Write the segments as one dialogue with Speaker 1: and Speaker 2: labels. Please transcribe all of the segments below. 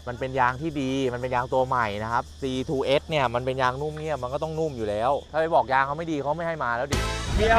Speaker 1: มันเป็นยางที่ดีมันเป็นยางตัวใหม่นะครับ C2S เนี่ยมันเป็นยางนุ่มเงียบมันก็ต้องนุ่มอยู่แล้วถ้าไปบอกยางเขาไม่ดีเขาไม่ให้มาแล้วดิ
Speaker 2: เดียว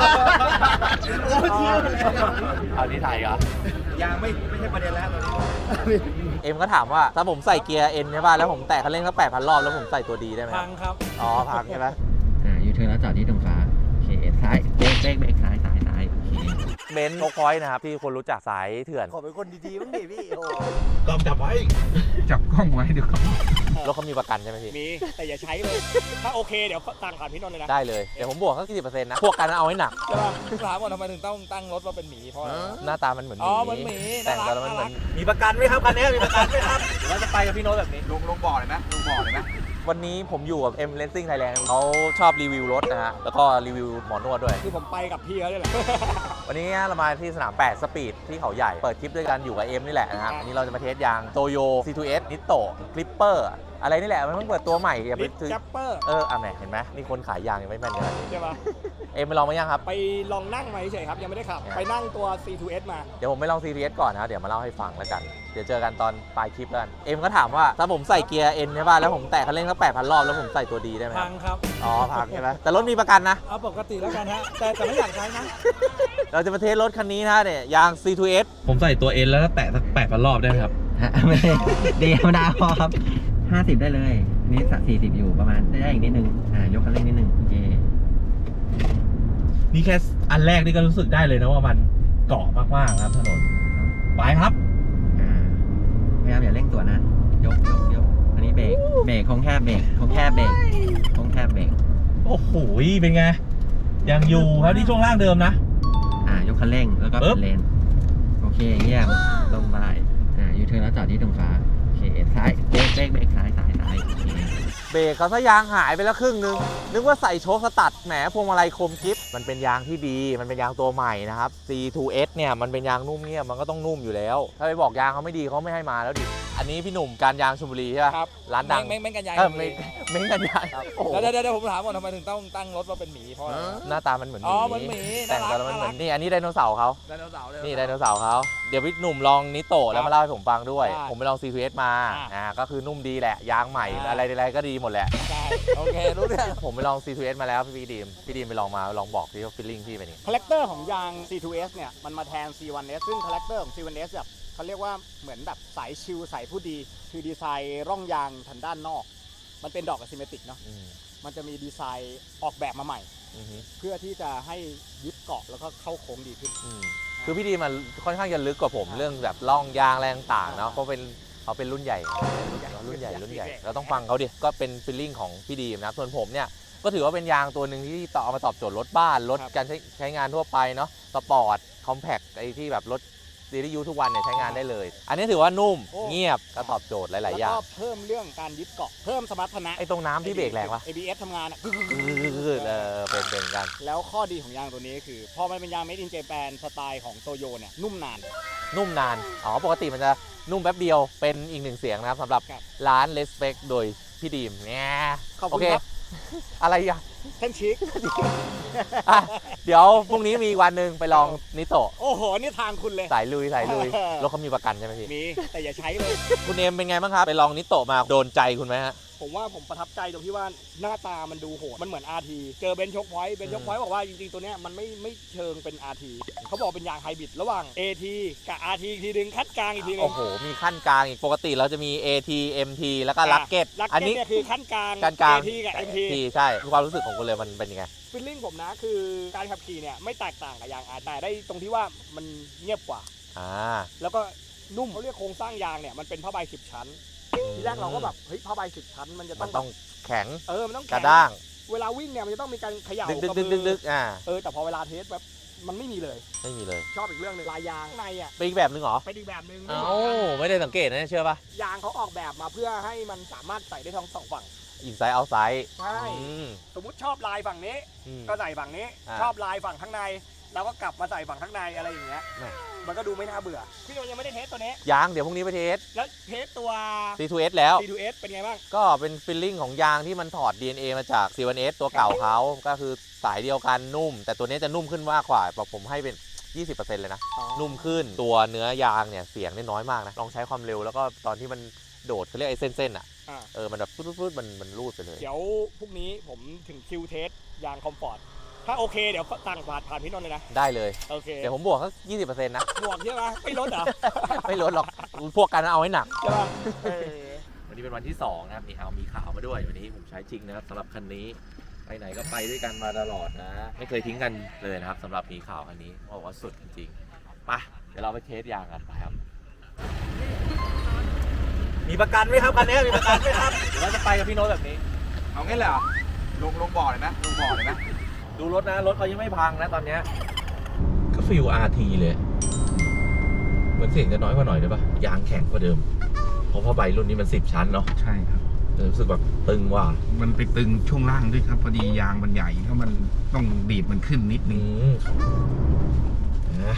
Speaker 1: เอาที่ไทยเหร
Speaker 2: อยางไม่ใช่ประเด็นแล้วตอนนี้
Speaker 1: เอ็มก็ถามว่าถ้าผมใส่เกียร์ N ใช่ป่ะแล้วผมแตะคันเร่งสัก 8,000 รอบแล้วผมใส่ตัวดีได้ไหม
Speaker 3: พังครับ
Speaker 1: อ๋อพังใช่ไหม
Speaker 4: ยูเทิร์นแล้วจอดที่ตรงฟ้าโอเคซ้ายเบรกซ้าย
Speaker 1: เบนซ์โชคพอยต์นะครับที่คนรู้จักสายเถื่อน
Speaker 2: ขอเป็นคนดีๆบ้างดิพี่
Speaker 3: กล้องจับไว้
Speaker 4: จับกล้องไว้ดูก่อน
Speaker 1: รถเขามีประกันใช่ไหมพี่
Speaker 3: มีแต่อย่าใช้เลยถ้าโอเคเดี๋ยวสั่งผ่านพี่นนท์เลยนะ
Speaker 1: ได้เลยเดี๋ยวผมบวกสัก10%นะพวกกันเอาให้หนัก
Speaker 3: ใช่ป่ะถามว่าทำไมถึงต้องตั้งรถว่าเป็นหมีเพราะ
Speaker 1: หน้าตามันเหมือนหมี
Speaker 3: อ๋อเหมือนหมี
Speaker 1: แต่งตัวแล้วมันเหมือน
Speaker 2: มีประกันไหมครับคันนี้มีประกันไหมครับ
Speaker 1: เราจะไปกับพี่โน้ตแบบนี้
Speaker 2: ลงบ่อเลยไหมลงบ่อเลยไหม
Speaker 1: วันนี้ผมอยู่กับ M Racing Thailand เขาชอบรีวิวรถนะฮะแล้วก็รีวิวหมอนวดด้วย
Speaker 3: คือผมไปกับพี่เขาด้วยแหละ
Speaker 1: วันนี้เรามาที่สนาม8สปีดที่เขาใหญ่เปิดคลิปด้วยกันอยู่กับเอ็มนี่แหละนะครับอันนี้เราจะมาเทสยางโตโย C2S Nitto Clipper อะไรนี่แหละมันเพิ่งเปิดตัวใหม่อย่าไปซื้อ
Speaker 3: Clipper
Speaker 1: แหมเห็นไหมนี่คนขายยางยังไม่แม่นขนาดนี้
Speaker 3: ใช่ปะ
Speaker 1: เอ็มไปลองมายังครับ
Speaker 3: ไปลองนั่งมาเฉยครับยังไม่ได้ขับไปนั่งตัว C2S มา
Speaker 1: เดี๋ยวผมไปลอง C2S ก่อนนะเดี๋ยวมาเล่าให้ฟังแล้วกันเดี๋ยวเจอกันตอนปลายคลิปกันเอ็มก็ถามว่าถ้าผมใส่เกียร์ N ใช่ป่ะแล้วผมแตะคันเร่งสัก 8,000 รอบแล้วผมใส่ตัวดีได้ไหม
Speaker 3: พังครับ
Speaker 1: อ๋อพังใช่ไหมแต่รถมีประกันนะ
Speaker 3: เอาปกติแล้วกันฮะแต่ไม่อยากใช้นะ
Speaker 1: เราจะมาเทสรถคันนี้นะเนี่ยยาง C2S ผมใส่ตัว N แล้วก็แตะสัก 8,000 รอบได้ไหมครับ
Speaker 4: ไม่เดียวดาวพอครับ50ได้เลยนี่40อยู่ประมาณได้อีกนิดนึงยกคันเร่งนิดนึงโอเค
Speaker 1: นี่แค่อันแรกนี่ก็รู้สึกได้เลยนะว่ามันเกาะมากๆครับถนนไปครับ
Speaker 4: พยายามอย่าเร่งตัวนะยกอันนี้เบรกคงแค่เบรก
Speaker 1: โอ้โหเป็นไงยังอยู่ครับที่ช่วงล่างเดิมนะ
Speaker 4: ยกคันเร่งแล้วก็เปิดเลนโอเคเยี่ยมลงไปยูเทิร์นแล้วจอดที่ตรงฟ้าโอเคซ้ายเบรกซ้ายโอเค
Speaker 1: เบรกเขาซะยางหายไปแล้วครึ่งนึงนึกว่าใส่โชคสตัดแหมพวงมาลัยคมกริปมันเป็นยางที่ดีมันเป็นยางตัวใหม่นะครับ C2S เนี่ยมันเป็นยางนุ่มเงียบมันก็ต้องนุ่มอยู่แล้วถ้าไปบอกยางเขาไม่ดีเขาไม่ให้มาแล้วดิอันนี้พี่หนุ่มการยางชลบุรีใช่ไหม
Speaker 3: ครับ
Speaker 1: ร้านดัง
Speaker 3: เม้งกันยาง
Speaker 1: เม้งกันยาง
Speaker 3: เดี๋ยวผมถามก่อนทำไมถึงต้องตั้งรถว่าเป็นหมีเพราะ
Speaker 1: หน้าตามันเหมือน
Speaker 3: หมี
Speaker 1: แต่งตัวแล้วมันเหมือนนี่อันนี้ไดโนเสาร์เขานี่ไดโนเสาร์เขาเดี๋ยวพี่หนุ่มลองนิโตะแล้วมาเล่าให้ผมฟังด้วยผมไปลอง C2S มาก็คือนุ่มดีแหละยางใหม่อะไรก็ดีหมดแหละ
Speaker 3: โอเครู้เรื่อง
Speaker 1: ผมไปลอง C2S มาแล้วพี่ดีมไปลองมาลองบอกที่ว่าฟีลลิ่งพี่เป็นยังไง
Speaker 3: คาแรคเตอร์ของยาง C2S เนี่ยมันมาแทน C1S ซึ่งคาแรคเตอร์ของ C1S แบบเขาเรียกว่าเหมือนแบบสายชิลสายผู้ดีคือดีไซน์ร่องยางทางด้านนอกมันเป็นดอกอะซิเมตริกเนาะมันจะมีดีไซน์ออกแบบมาใหม่เพื่อที่จะให้ยึดเกาะแล้วก็เข้าโค้งดีขึ้น
Speaker 1: คือพี่ดีมันค่อนข้างจะลึกกว่าผมเรื่องแบบร่องยางแรงต่างเนาะเพราะเขาเป็นรุ่นใหญ่เราต้องฟังเขาดิก็เป็นฟีลลิ่งของพี่ดีนะส่วนผมเนี่ยก็ถือว่าเป็นยางตัวหนึ่งที่เอามาตอบโจทย์รถบ้านรถการใช้งานทั่วไปเนาะสปอร์ตคอมแพคไอ้ที่แบบรถซีรีส์ยูทุกวันเนี่ยใช้งานได้เลยอันนี้ถือว่านุ่มเงียบก็ตอบโจทย์หลายๆอย่าง
Speaker 3: แล้วก็เพิ่มเรื่องการยึดเกาะเพิ่มสมรรถนะ
Speaker 1: ไอ้ตรงน้ำที่เบรกแรงปะ
Speaker 3: ABS ทำงาน
Speaker 1: เป็นกัน
Speaker 3: แล้วข้อดีของยางตัวนี้คือพอมันเป็นยาง Made in Japan สไตล์ของโตโยเนี่ยนุ่มนาน
Speaker 1: ปกติมันจะนุ่มแป๊บเดียวเป็นอีกหนึ่งเสียงนะครับสำหรับร้าน Respect โดยพี่ดีมเนี่ย
Speaker 3: โอเค
Speaker 1: อะไรอ่ะ
Speaker 3: ท่านชิค
Speaker 1: เดี๋ยวพรุ่งนี้มีวันหนึ่งไปลองนิโตะ
Speaker 3: โอ้โหนี่ทางคุณเลย
Speaker 1: สายลุยรถเขามีประกันใช่ไหมพี่
Speaker 3: มีแต่อย่าใช้เลย
Speaker 1: คุณเอมเป็นไงบ้างครับไปลองนิโตะมาโดนใจคุณไหมฮะ
Speaker 3: ผมว่าผมประทับใจตรงที่ว่าหน้าตามันดูโหดมันเหมือน RT เจอเบนช์ช็อคพอยต์บอกว่าจริงๆตัวเนี้ยมันไม่เชิงเป็น RT เขาบอกเป็นยางไฮบริดระหว่าง AT กับ RT อีกทีนึงขั้นกลางอีกทีนึง
Speaker 1: โอ้โหมีขั้นกลางอีกปกติเราจะมี AT MT แล้วก็ลักเก็ต
Speaker 3: อันนี้คือขั้นกลาง AT กับ MT
Speaker 1: ใช่ความรู้สึกของคุณเลยมันเป็นยังไง
Speaker 3: ฟีลลิ่งผมนะคือการขับขี่เนี่ยไม่แตกต่างกับยาง RT แต่ได้ตรงที่ว่ามันเงียบกว่าแล้วก็นุ่มเขาเรียกโครงสร้างยางเนี่ยมันเป็นผ้าใบ10 ชั้นทีแรกเราก็แบบเฮ้ยผ้าใบ10 ชั้นมันจะต้อง
Speaker 1: แข็ง
Speaker 3: มันต้อง
Speaker 1: กระด้าง
Speaker 3: เวลาวิ่งเนี่ยมันจะต้องมีการเขย่า
Speaker 1: ดึก
Speaker 3: แต่พอเวลาเทสแบบมันไม่มีเลยชอบอีกเรื่องนึงลายยางในอ่ะ
Speaker 1: เป็นอีกแบบนึงเหรอ
Speaker 3: เป็นอีกแบบนึง
Speaker 1: ไม่ได้สังเกตนะเชื่อป่ะ
Speaker 3: ยางเขาออกแบบมาเพื่อให้มันสามารถใส่ได้ทั้งสองฝั่ง
Speaker 1: อินไซด์เอาไซด์
Speaker 3: ใช่สมมุติชอบลายฝั่งนี้ก็ใส่ฝั่งนี้ชอบลายฝั่งข้างในเราก็กลับมาใส่ฝั่งข้างในอะไรอย่างเงี้ยมันก็ดูไม่น่าเบื่อพี่โนยังไม่ได้เทสตัวนี้
Speaker 1: ยังเดี๋ยวพรุ่งนี้ไปเทส
Speaker 3: แล้วเทสตัว
Speaker 1: C2S แล้ว
Speaker 3: C2S เป็นไงบ้าง
Speaker 1: ก็เป็นฟีลลิ่งของยางที่มันถอด DNA มาจาก C1S ตัวเก่าเขาก็คือสายเดียวกันนุ่มแต่ตัวนี้จะนุ่มขึ้นมากกว่าผมให้เป็น 20% เลยนะนุ่มขึ้นตัวเนื้อยางเนี่ยเสียงได้น้อยมากนะลองใช้ความเร็วแล้วก็ตอนที่มันโดดเขาเรียกไอ้เส้นๆอ่ะ
Speaker 3: อ่า
Speaker 1: มันแบบฟุดๆมันรูดไปเลย
Speaker 3: เดี๋ยวพรุ่งนี้ผมถึงคิวเทสยางคอมฟอร์ตถ้าโอเคเดี๋ยวสั่งผ่านพี่นนท์เลยนะ
Speaker 1: ได้เลย
Speaker 3: โอเค
Speaker 1: เดี๋ยวผมบวกสัก20%นะ
Speaker 3: บวกใช่ไหมไม่ลดเหรอ
Speaker 1: ไม่ลดหรอกพวกกันเอาให้หนัก
Speaker 3: ใช่ป่ะ
Speaker 1: วันนี้เป็นวันที่2นะครับนี่เอามีข่าวมาด้วยวันนี้ผมใช้จริงนะครับสำหรับคันนี้ไปไหนก็ไปด้วยกันมาตลอดนะ ไม่เคยทิ้งกันเลยนะครับสำหรับมีข่าวคันนี้บอกว่าสุดจริงๆไปเดี๋ยวเราไปเทสยางกันไปครับ
Speaker 2: มีประกันไหมครับคันนี้มีประกันไหมครับ
Speaker 1: เดี๋ยวเราจะไปกับพี่โน้ตแบบนี้
Speaker 2: เอางี้เลยเหรอลงบ่อเลยไหมลงบ่อเลยไหม
Speaker 1: ดูรถนะรถเขายังไม่พังนะตอนเนี้ยก็ฟิล RT เลยเหมือนเสียงจะน้อยกว่าหน่อยได้ปะยางแข็งกว่าเดิมเพราะผ้าใบรุ่นนี้มัน10 ชั้นเนาะ
Speaker 5: ใช่ครับ
Speaker 1: รู้สึกแบบตึงว่ะ
Speaker 5: มันไปตึงช่วงล่างด้วยครับ พอดียางมันใหญ่ถ้ามันต้องดีดมันขึ้นนิดนึง
Speaker 1: นะ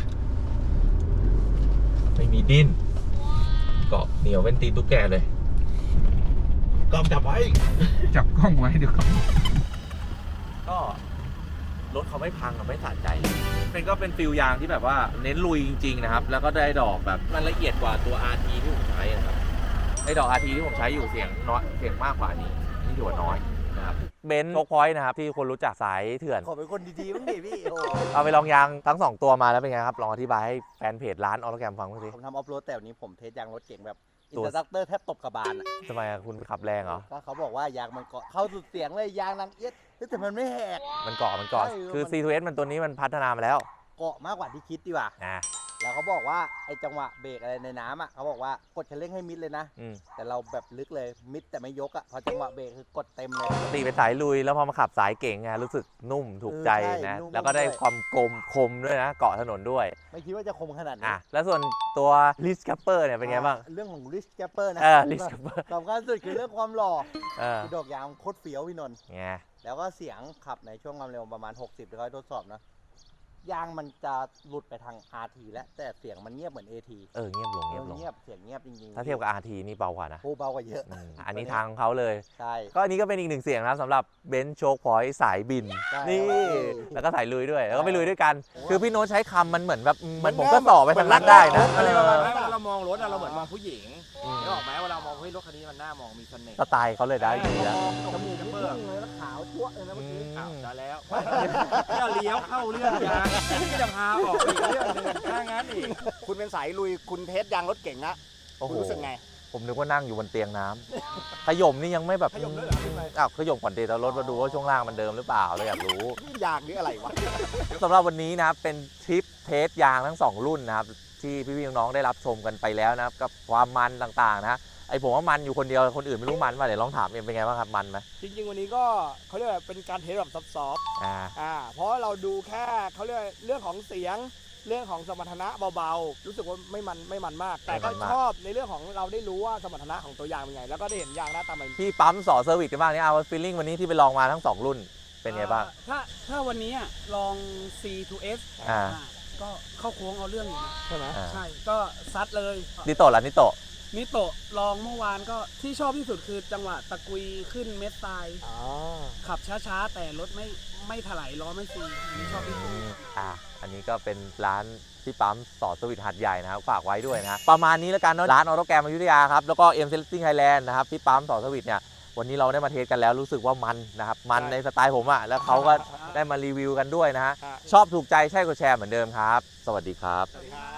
Speaker 1: ไม่มีดิ้นเกาะเหนียวเป็นตีนตุ๊กแกเลยกล้องจับไว้
Speaker 5: จับกล้องไว้เดี๋ยวครับ
Speaker 1: ก็รถเขาไม่พังกับไม่สะใจเป็นก็เป็นฟิลยางที่แบบว่าเน้นลุยจริงๆนะครับ แล้วก็ได้ดอกแบบมันละเอียดกว่าตัว RT ที่ผมใช้นะครับไอ้ดอก RT ที่ผมใช้อยู่เสียงน้อยเสียงมากกว่านี้นี่ถือว่าน้อยนะครับเบนซ์โชคพอยต์นะครับที่คนรู้จักสายเถื่อน
Speaker 2: ขอเป็นคนดีๆบ้างดิพี่โอ้
Speaker 1: เอาไปลองยางทั้ง2ตัวมาแล้วเป็นไงครับลองอธิบายให้แฟนเพจร้านออโตแกรมฟังบ้างสิ
Speaker 2: ผมทำออฟโรดแต่วันนี้ผมเทสยางรถเก่งแบบอิน
Speaker 1: ตัว
Speaker 2: สตรัคเตอร์แทบตบกระบาลอ่ะ
Speaker 1: ทำไมอะคุณขับแรงเหรอ
Speaker 2: ก็เขาบอกว่ายางมันเกาะเข้าสุดเสียงเลยยางดังเอี๊ยดแต่มันไม่แหก
Speaker 1: มันเกาะ
Speaker 2: ใช่
Speaker 1: คือ
Speaker 2: มัน
Speaker 1: C2S มันตัวนี้มันพัฒนามาแล้ว
Speaker 2: เกาะมากกว่าที่คิดดีกว่า
Speaker 1: นะ
Speaker 2: แล้วเขาบอกว่าไอ้จังหวะเบรกอะไรในน้ำอ่ะเขาบอกว่ากดคันเร่งให้มิดเลยนะ
Speaker 1: อืม
Speaker 2: แต่เราแบบลึกเลยมิดแต่ไม่ยกอ่ะพอจังหวะเบรกคือกดเต็มเลย
Speaker 1: ปกติเป็นสายลุยแล้วพอมาขับสายเก่งไงรู้สึกนุ่มถูกใจ
Speaker 2: ใช่
Speaker 1: นะ
Speaker 2: นุ่ม
Speaker 1: แล้วก็ได้
Speaker 2: ด้วย
Speaker 1: ความคมด้วยนะ เกาะถนนด้วย
Speaker 2: ไม่คิดว่าจะคมขนาดนี้
Speaker 1: อ่ะแล้วส่วนตัว Lift Capper เนี่ยเป็นไงบ้าง
Speaker 2: เรื่องของ Rich Capper นะ
Speaker 1: Lift Capper
Speaker 2: สำคัญสุดคือเรื่องความหล่อ
Speaker 1: เออ
Speaker 2: คือดอกยางโคตรเฟี้ยวพี่นนท์
Speaker 1: ไง
Speaker 2: แล้วก็เสียงขับในช่วงความเร็วประมาณ 60ที่เขาให้ทดสอบนะ ยางมันจะหลุดไปทาง RT แล้วแต่เสียงมันเงียบเหมือน AT
Speaker 1: เงียบลงเงียบลง
Speaker 2: เงียบเสียงเงียบจริงๆ
Speaker 1: ถ้าเทียบกับ RT นี่เบากว่านะ
Speaker 2: โอ้เบากว่าเยอะ
Speaker 1: อันนี้ทางของเขาเลย
Speaker 2: ใช่
Speaker 1: ก็อันนี้ก็เป็นอีกหนึ่งเสียงนะครับสำหรับเบนซ์โชคพอยต์สายบิน
Speaker 2: ใช่
Speaker 1: นี่ แล้วก็สายลุยด้วย แล้วก็ไปลุยด้วยกัน
Speaker 2: โอ้
Speaker 1: คือพี่โน้ตใช้คำมันเหมือนแบบมัน
Speaker 2: เหมื
Speaker 1: ผ
Speaker 2: อน
Speaker 1: มก็ต่อไปทางนั้นได้นะ
Speaker 3: อะไรประมาณ
Speaker 1: เอ
Speaker 3: นั้น
Speaker 1: อ
Speaker 3: เวลาเรามองรถอะเราเหมือนมองผู้หญิง
Speaker 1: อืม
Speaker 3: นึกออกไหมเวลามองเฮ้ยรถคันนี้มันน่ามองมีเสน่ห์
Speaker 1: สไตล์เขาเลยได้ดีแล้ว
Speaker 2: จมูกพุ่งเลยแล้วขาวจั๊วะเลยนะเมื่อกี้
Speaker 3: อ้าวได้แล้วจะเลี้ยวเข้าเรื่องยางที่จะพาออกอีกเรื่องหนึงถ้างั้นอีกคุณเป็นสายลุยคุณเทสยางรถเก่งนะ
Speaker 1: โอ้โห
Speaker 3: คุณรู้สึกไง
Speaker 1: ผมนึกว่านั่งอยู่บนเตียงน้ำ ขย่มนี่ยังไม่แบบ
Speaker 3: ขย่มด้วยเหรอขึ้นไป
Speaker 1: อ้าวขย่มก่อนเดทรถมาดูว่าช่วงล่างมันเดิมหรือเปล่าเราอยากรู้
Speaker 3: นี่ยางหรืออะไรวะ
Speaker 1: สำหรับวันนี้นะครับเป็นทริปเทสยางทั้ง 2 รุ่นนะครับที่พี่ๆน้องๆได้รับชมกันไปแล้วนะครับกับความมันต่างๆนะไอผมว่ามันอยู่คนเดียวคนอื่นไม่รู้มันป่ะเดี๋ยวลองถามเอ็มเป็นไงบ้างครับมันไหม
Speaker 3: จริงๆวันนี้ก็เขาเรียกว่าเป็นการเทสแบบซอฟต์
Speaker 1: อ่า
Speaker 3: เพราะเราดูแค่เขาเรียกเรื่องของเสียงเรื่องของสมรรถนะเบาๆรู้สึกว่าไม่มันมาก แต่ก็ชอบในเรื่องของเราได้รู้ว่าสมรรถนะของตัวยางเป็นไงแล้วก็ได้เห็นยางหน้าตามัน
Speaker 1: พี่ปั๊มสอเซอร์วิสกันบ้างนี่เอาฟีลลิ่งวันนี้ที่ไปลองมาทั้ง 2 รุ่นเป็นไงบ้าง
Speaker 6: ถ้าวันนี้อะลอง C2S
Speaker 1: อ่า
Speaker 6: ก็เข้าโค้งเอาเรื่องอยู่นะ
Speaker 3: ใช่ไหม
Speaker 1: อ่า
Speaker 6: ใช่ ก็ซัดเลย
Speaker 1: นิโตะล่ะนิโตะ
Speaker 6: นิโตะลองเมื่อวานก็ที่ชอบที่สุดคือจังหวะตะกุยขึ้นเม็ดทราย
Speaker 3: อ๋อ
Speaker 6: ขับช้าๆ แต่รถไม่ถลายล้อไม่ซีอันนี้ชอบที่สุด
Speaker 1: อันนี้ก็เป็นร้านที่ปั๊มสอเซอร์วิสหัดใหญ่นะครับฝากไว้ด้วยนะประมาณนี้แล้วกันเนาะร้านออโตแกรมอยุธยาครับแล้วก็เอ็มเซลติ้งไทยแลนด์นะครับที่ปั๊มสอเซอร์วิสเนี่ยวันนี้เราได้มาเทสกันแล้วรู้สึกว่ามันนะครับมันในสไตล์ผมอะแล้วเขาก็ได้มารีวิวกันด้วยนะฮะ
Speaker 3: ครับ
Speaker 1: ชอบถูกใจใช่กดแชร์เหมือนเดิมครับ สวัสดีครับ
Speaker 3: สวัสดีครับ